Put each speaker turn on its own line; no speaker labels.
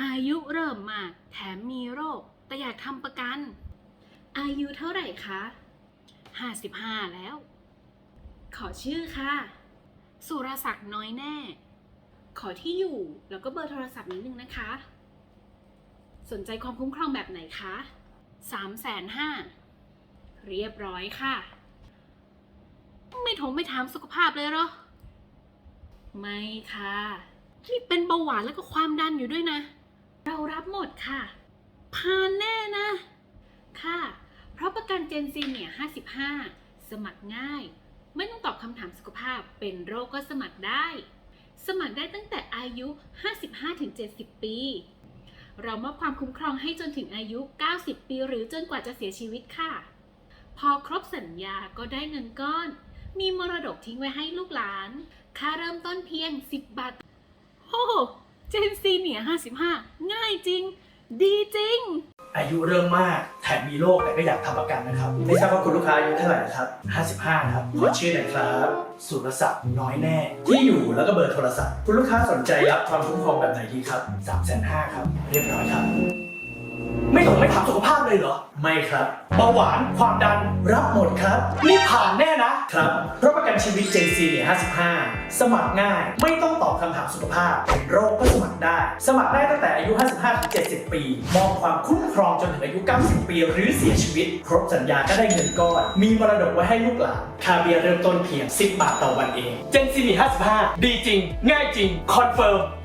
อายุเริ่มมากแถมมีโรคแต่อยากทำประกันอายุเท่าไหร่คะ55แล้วขอชื่อค่ะสุรศักดิ์น้อยแน่ขอที่อยู่แล้วก็เบอร์โทรศัพท์นิดนึงนะคะสนใจความคุ้มครองแบบไหนคะ350,000เรียบร้อยค่ะไม่ถามสุขภาพเลยเหรอไม่ค่ะนี่เป็นเบาหวานแล้วก็ความดันอยู่ด้วยนะเรารับหมดค่ะผ่านแน่นะค่ะเพราะประกันเจนซีเนี่ย55สมัครง่ายไม่ต้องตอบคำถามสุขภาพเป็นโรคก็สมัครได้สมัครได้ตั้งแต่อายุ 55-70 ปีเรามอบความคุ้มครองให้จนถึงอายุ 90 ปีหรือจนกว่าจะเสียชีวิตค่ะพอครบสัญญาก็ได้เงินก้อนมีมรดกทิ้งไว้ให้ลูกหลานค่าเริ่มต้นเพียง10 บาทโอ้เจนซีเนี่ย55ง่ายจริงดีจริง
อายุเริ่มมากแถมมีโรคแต่ก็อยากทำประกันนะครับไม่ทราบว่าคุณลูกค้าอายุเท่าไหร่ครับ55ครับขอชื่อหน่อยครับสุรศักดิ์น้อยแน่ที่อยู่แล้วก็เบอร์โทรศัพท์คุณลูกค้าสนใจรับความคุ้มครองแบบไหนดีครับ350,000ครับเรียบร้อยครับไม่ถามสุขภาพเลยเหรอไม่ครับเบาหวานความดันรับหมดครับนี่ผ่านแน่นะครับเพราะประกันชีวิตเจนซีเนี่ย55สมัครง่ายไม่ต้องตอบคำถามสุขภาพเป็นโรคก็สมัครได้สมัครได้ตั้งแต่อายุ 55-70 ปีมอบความคุ้มครองจนถึงอายุ 90 ปีหรือเสียชีวิตครบสัญญาก็ได้เงินก้อนมีมรดกไว้ให้ลูกหลานค่าเบี้ยเริ่มต้นเพียง10 บาทต่อวันเองเจนซีเนี่ย55ดีจริงง่ายจริงคอนเฟิร์ม